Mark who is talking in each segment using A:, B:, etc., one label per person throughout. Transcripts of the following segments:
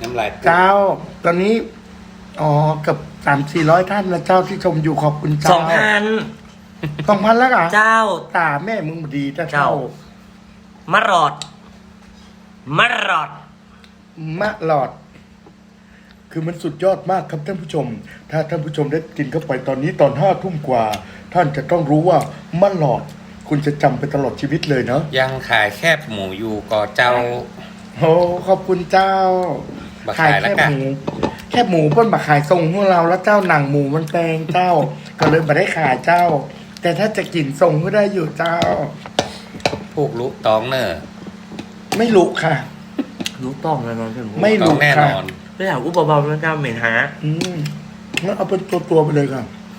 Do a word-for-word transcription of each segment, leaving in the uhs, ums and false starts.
A: น้ำลาย
B: เจ้าตอนนี้อ๋อกับสามสี่ร้อยท่านนะเจ้าที่ชมอยู่ขอบคุณเจ้า
C: สองพัน
B: สองพันแล้วเหรอ
C: เจ้า
B: ตาแม่มึงดีถ้า
C: เจ้า
B: เจ้าม
C: ารอดมารอด
B: มะหลอด คือมันสุดยอดมากครับท่านผู้ชม ถ้าท่านผู้ชมได้กินเข้าไปตอนนี้ตอนห้าทุ่มกว่า ท่านจะต้องรู้ว่ามะหลอด คุณจะจำไปตลอดชีวิตเลยเนาะ
A: ยังขายแคบหมูอยู่ก่อเจ้า
B: โอ้ขอบคุณเจ้า
A: บักขายแล้ว
B: แค่
A: กัน
B: หมูแค่หมูเพิ่นมาขายทรงของเราแล้วเจ้าหนังหมูมันแพงเจ้า ก็เลยมาได้ขายเจ้า แต่ถ้าจะกินทรงก็ได้อยู่เจ้า
A: ผูกลุตองเนอร์
B: ไม่รู้ค่ะ
C: รู้ต้องแน่นอนพี่หมู
B: ไม่
A: ตองแน่นอน
C: ไม่อยากอู้เบาๆแล้วเจ้าเหม็นหา
B: อืมงั้นเอาเป็นตัวตัวๆไปเลยค่ะ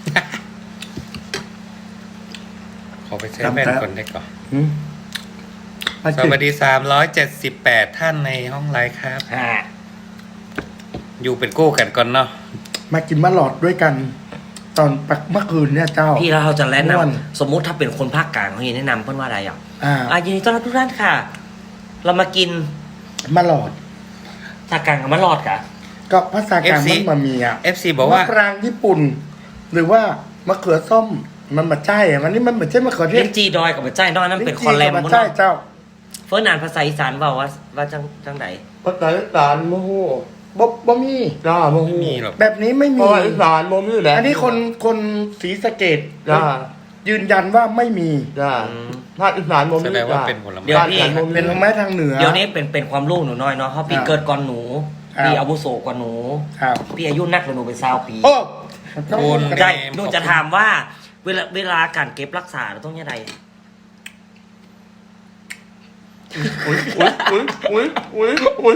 A: ขอไปเช็คแม่นคนได้ก่อน
B: อืมมา
A: ส
B: กิน
A: วัสดีสามร้อยเจ็ดสิบแปดท่านในห้องไลฟ์ครับ
C: ฮะ
A: อยู่เป็นกู้กันก่อนเนาะ
B: มากินมะหลอดด้วยกัน ตอนปักเมื่อคืนเนี่ยเจ้า
C: พี่แล้วเราจะแนะน
B: ม่วน
C: ำสมมุติถ้าเป็นคนภาคกลางเขาจะแนะนำเพื่อนว่าอะไรอ่ะ
B: อ่า
C: อ่ะยินดีต้อนรับทุกท่านค่ะ เรามากิน
B: มะหลอด
C: ภาคกลางกับมะรอดกะ
B: ก็ภาษากลางมันมามีอ่ะ
A: เอฟซีบอกว่า
B: มะปรางญี่ปุ่น หรือว่ามะเขือส้มมันมาใช่อะมันนี่มันเหมือนใช่มะเขือเท
C: เลี้
B: ศ
C: ยงจีดอยกับมะใจนอกนั้นเป็นคอลแลม
B: ลิ้
C: บ
B: น
C: น
B: จี่
C: นั้
B: กับมาน ใช่เจ้า
C: เฟิร์นอ่านภาษาอีสานเปล่าว่าว่าจังจังไหน
D: ภาษาอีสานโมโห
B: บ่บ่มี
D: จ้าโมโห
A: ไม่มีหรอก
B: แบบนี้ไม่
D: เพ
B: มี
D: ราะว่าอีสานโมมีแหละ
B: อันนี้คนคนศรีสะเกด
D: จ้า
B: ยืนยันว่าไม่มี
D: จ้า
C: อืม
D: ถ้าอีสานโมมี
A: แสดงว่า
D: จ้า
A: เป็นผลไม้
C: เดี๋ยวพี่
D: ภาคกลางโมมี
B: เป็นไม้ทางเหนือ
C: เดี๋ยวนี้เป็นเป็นความรู้หนูน้อยเนาะเพราะพี่
B: ครับ
C: เกิดก่อนหนู
B: ครับ
C: พี่อาวุโสกว่าหนู
B: ครับ
C: พี่อายุนักกว่าหนูเป็นสาวปี
B: โอ้
A: คุณ
C: ใช่หนูจะถามว่า เวลาเวลาการเก็บรักษาเราต้องยังไง
D: อุ้ยอุ้ยอุ้ยอุ้ยอุ้ยอุ้ย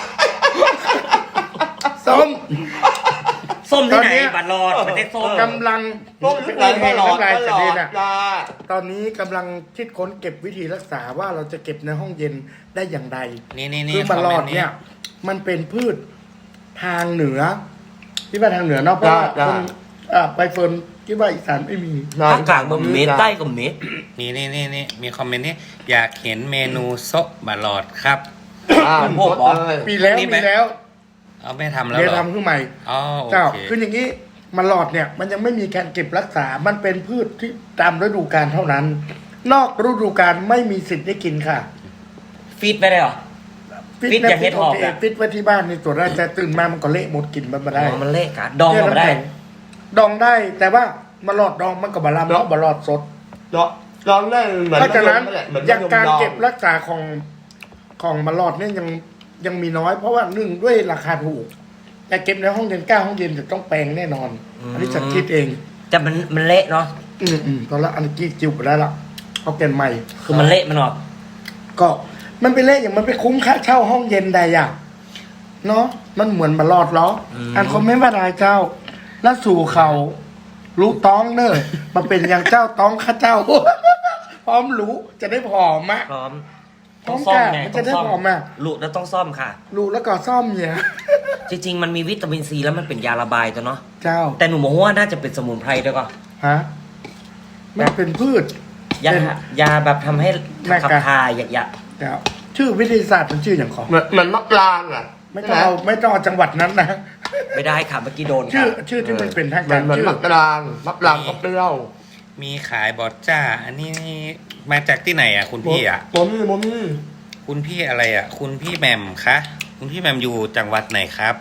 B: ส้ม
C: ส้มที่ไหน
B: ตอนเนี้ย
C: บัตรรอดประเทศส้ม
B: กำลัง
D: ต้มอีสานตลอด
B: น้ำลาย
D: ต
B: จะ
D: ลอ
B: เด็
D: ด
B: นอ่ะ
D: จ้า
B: ตอนนี้กำลังคิดค้นเก็บวิธีรักษาว่าเราจะเก็บในห้องเย็นได้อย่างไร
A: นี่นี่นี่
B: คือมะลอดเนี่ย มันเป็นพืชทางเหนือ ที่ว่าทางเหนือเนอกเพราะว่า
D: จ้า
B: คนอ่าไปเฟิร์นที่ว่าอีสานไม่มี
C: ภาคกลางมันเมตรใต้ก็เมตร
A: นี่นี่นี่นี่มีคอมเมนต์นี่อยากเห็นเมนูโซะบะหลอดครับ
D: อ่า
C: มันพวกเหรอ
D: เลย
B: ปีแล้ว
A: นี่ไหม
B: มีแล้ว
A: เอาไม่ทำแล้ว
B: เดี๋ย
A: เห
B: ว
A: รอ
B: ทำขึ้นใหม่
A: อ๋อโอ
B: เจ้า
A: เค
B: คืออย่างนี้มะลอดเนี่ย มันยังไม่มีการเก็บรักษา มันเป็นพืชที่ตามฤดูกาลเท่านั้น นอกฤดูกาลไม่มีสิทธิ์ได้กินค่ะ
C: ฟีดไปได้เหรอ ฟิตอย่างเฮ็ดหอก
B: โอเค
C: อะ
B: ฟิตไว้ที่บ้านในตัวแรกแต่ตื่นมามันก็เละหมดกินมันไม่ได้
C: อ๋อมันเละกะดองก็ไม่ได้
B: ดองได้แต่ว่ามาหลอดดองมันกับบะลำแล้วบะหลอดสด
D: ลองลองได้เหมือน
B: เพราะฉะนั้น
D: มะยมแหละเหมือน
B: อย่างการ
D: มะยมดอง
B: เก็บรักษาของของมาหลอดเนี่ยยังยังมีน้อย เพราะว่าหนึ่งด้วยราคาถูก แต่เก็บในห้องเย็นเก้าห้องเย็นจะต้องแปลงแน่นอน อันนี้ฉันคิดเอง
C: แต่มันมันเละเนาะ
B: อืมอืมตอนละอันนี้จิวไปได้ละเอาเกนใหม่
C: คือมันเละมันออก
B: ก็มันไปเละอย่างมันไปคุ้มค่าเช่าห้องเย็นใดอย่างเนาะมันเหมือนมาหลอดล้ออันคอมเมนต์ว่าได้เจ้า แล้วสู่เขารู้ต้องเนอะมาเป็นอย่างเจ้าต้องข้าเจ้า พร้อมรู้จะได้ผอมมะ
C: พร้อม
B: พร้
C: ต้
B: อ
C: อง
B: ม
C: ซ่อม
B: กะ
C: ไง
B: มัน
C: ต้
B: จะ
C: อง
B: ได้
C: ซ่อม
B: ผอมอ่ะ
C: ลูกแล้วต้องซ่อมค่ะ
B: รู้แล้วก็ซ่อมเนี่ย
C: จริงๆ มันมีวิตามินซีแล้วมันเป็นยาระบายตัวเนาะ
B: เจ้า
C: แต่หนูมองว่าน่าจะเป็นสมุนไพรด้วยก็
B: ฮะมันเป็นพืช
C: ยา
B: เป็น
C: ยาแบบทำให้
B: แม่กะ
C: ขับถ่ายหยะ
B: เจ้าชื่อวิทยาศาสตร์มันชื่ออย่างของ
D: เหมือนเหมือนมะปรางอ่ะ
B: ไม่ต้องเอาไม่ต้องเอาจังหวัดนั้นนะ
C: ๆไม่ได้ค่ะเมื่อกี้โดน
B: ชื่
C: ค่ะ
B: อชื่อที่มันเป็นทาง
D: เหมื
B: กา
D: อน
B: ร
D: เหมือน
B: ชื่อ
D: มะปรางมะปรางก็เปรี้ยว
A: มีขายบอดจ้า อันนี้มาจากที่ไหนอ่ะ คุณพี่อ่ะ
D: โมมี่โมมี่
A: คุณพี่อะไรอ่ะ คุณพี่แหม่มคะ คุณพี่แหม่มอยู่จังหวัดไหนครับ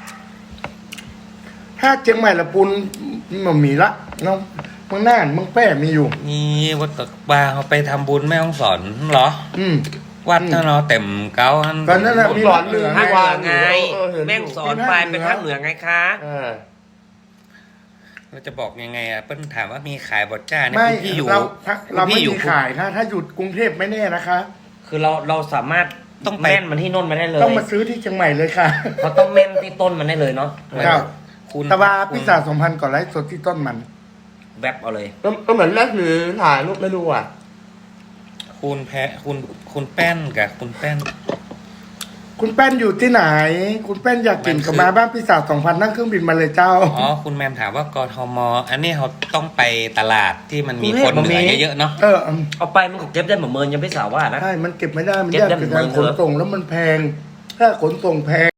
B: ถ้าเชียงใหม่ละปุนมันมีละเนาะเมืองน่านเมืองแพร่มีอยู่
A: นี่วัดตะบาเขาไปทำบุญแม่ห้องสอนเหรอ
B: อืม
A: วัดเท่าเนาะเต็มเก้าอัน
B: ก็นั่นแหละมี
D: สอนหนึ่ง
C: ภาคเหนือไง
D: เออเห็นอยู่
C: แม่งสอนไปเป็นภาคเหนือไงคะ
D: เออ
A: เราจะบอกยังไงอ่ะเปิ้ลถามว่ามีขายบอดจ้าเนี่ย
B: ไม่
A: คุณพี่อยู่
B: เราเรา
A: คุณ
B: ไม่
A: พี่อยู่
B: มีขายนะถ้าอยู่กรุงเทพไม่แน่นะคะ
C: คือเราเราสามารถ
A: ต้องไป
C: แม่นมันที่โน่นมาได้เลย
B: ต้องมาซื้อที่เชียงใหม่เลยค่ะ
C: เขาต้องแม่นที่ต้นมันได้เลยเนาะ
B: ครับ
A: คุณ
B: ตะวาพิซซ่าสองพันก่อนไลฟ์สดที่ต้นมัน
C: แวบเอาเลย
D: ก็ก็เหมือนแรกหรือถ่ายรูปไม่ดูอ่ะ
A: คุณแพะคุณคุณแป้นกับคุณแป้น
B: คุณแป้นอยู่ที่ไหน คุณแป้นอยากกิน
A: มันคือ
B: กับมาบ้านพิซซ่าสองพันนั่งเครื่องบินมาเลยเจ้า
A: อ๋อคุณแมมถามว่ากทม อันนี้เขาต้องไปตลาดที่มันมี
C: กรุงเท
A: ค
C: พ
A: น
C: มัน
A: เหนื
C: มี
A: อเยอะๆเนาะ
B: เอออืม
C: เอาไปมันก็เก็บได้เหมือนเมินยังไม่สาวว่านะ
B: ใช่มันเก็บไม่ได้มัน
C: เก็บ
B: ยาก
C: ได้
B: ใน
C: เหมื
B: กา
C: อน
B: ร
C: เดิ
B: ข
C: ม
B: นส่งแล้วมันแพง ถ้าขนส่งแพง